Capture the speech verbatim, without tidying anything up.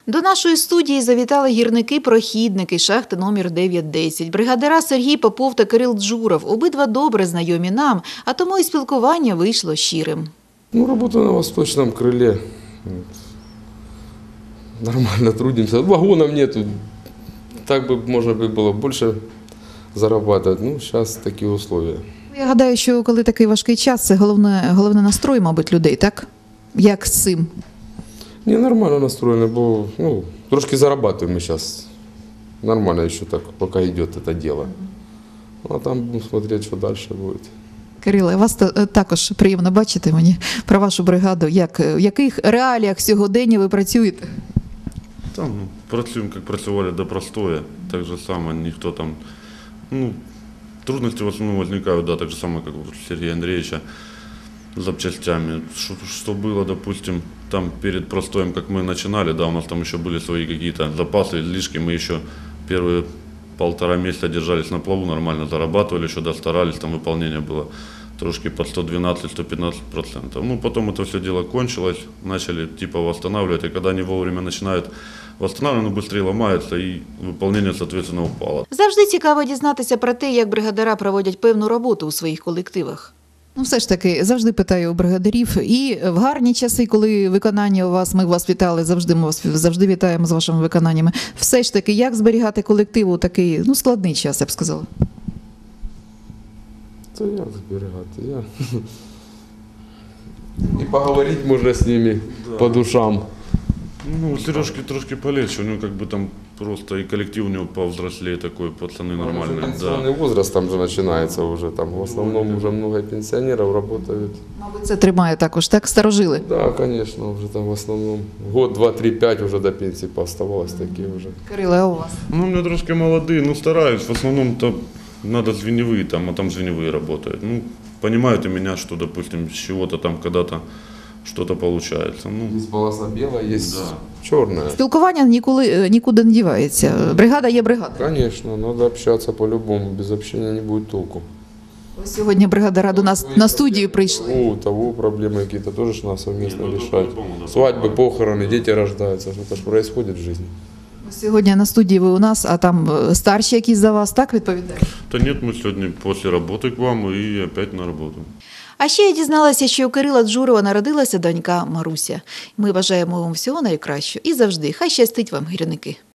До нашої студії завітали гірники-прохідники шахти номер дев'ять десять. Бригадира Сергій Попов та Кирил Джуров. Обидва добре знайомі нам, а тому і спілкування вийшло щирим. Ну, работаю на восточном крыле. Нормально трудимся. Вагонов нету. Так бы можно бы было больше зарабатывать. Ну, сейчас такие условия. Я гадаю, що коли такий важкий час, це головне, головне настрой, мабуть, людей, так? Як з цим? Не, нормально настроены, бо, ну, трошки зарабатываем мы сейчас. Нормально еще так, пока идет это дело. А там будем смотреть, что дальше будет. Кириле, вас також приємно бачити мені про вашу бригаду. Як, в яких реаліях сьогодення ви працюєте? Там ну, працюємо, як працювали до простое, так же само, ніхто там, ну, трудности в основном возникают, да, так же самое, как у Сергея Андреевича, с запчастями. Что, что было, допустим, там перед простоем, как мы начинали, да, у нас там еще были свои какие-то запасы, излишки, мы еще первые полтора месяца держались на плаву, нормально зарабатывали, еще да, старались, там выполнение было трошки под сто двенадцать — сто пятнадцать процентов. Ну, потом это все дело кончилось, начали типа восстанавливать, и когда они вовремя начинают восстанавливать, оно быстрее ломается, и выполнение, соответственно, упало. Завжди цікаво дізнатися про те, як бригадира проводять певну роботу у своїх колективах. Ну, все ж таки, завжди питаю у бригадирів. І в гарні часи, коли виконання у вас, ми вас вітали, завжди ми вас завжди вітаємо з вашими виконаннями. Все ж таки, як зберігати колектив у такий, ну, складний час, я б сказала? То як зберігати? Я... І поговорити можна з ними да. По душам. Ну, у Сережки трошки полегче, у него как бы там просто и коллектив у него повзрослее такой, пацаны нормальные. Пенсионный да. возраст там же начинается уже, там в основном уже много пенсионеров работают. Мабуть, це тримає також, так, старожили? Да, конечно, уже там в основном год, два, три, пять уже до пенсии пооставалось такие уже. Кириле, а у вас? Ну, у меня трошки молодые, ну, стараюсь, в основном-то надо звеневые там, а там звеневые работают. Ну, понимают и меня, что, допустим, с чего-то там когда-то что-то получается. Ну, есть полоса белая, есть да. черная. Спілкування ніколи, нікуди не дівається. Бригада є бригада. Конечно, надо общаться по-любому, без общения не будет толку. Ось сьогодні бригадира до нас на студію прийшли. У того проблемы какие-то тоже ж надо совместно решать. Свадьбы, похороны, дети рождаются, что-то ж происходит в жизни. Сьогодні на студії ви у нас, а там старші якісь за вас, так відповідають? Да нет, мы сегодня после работы к вам и опять на работу. А ще я дізналася, що у Кирила Джурова народилася донька Маруся. Ми бажаємо вам всього найкращого і завжди. Хай щастить вам, гірники.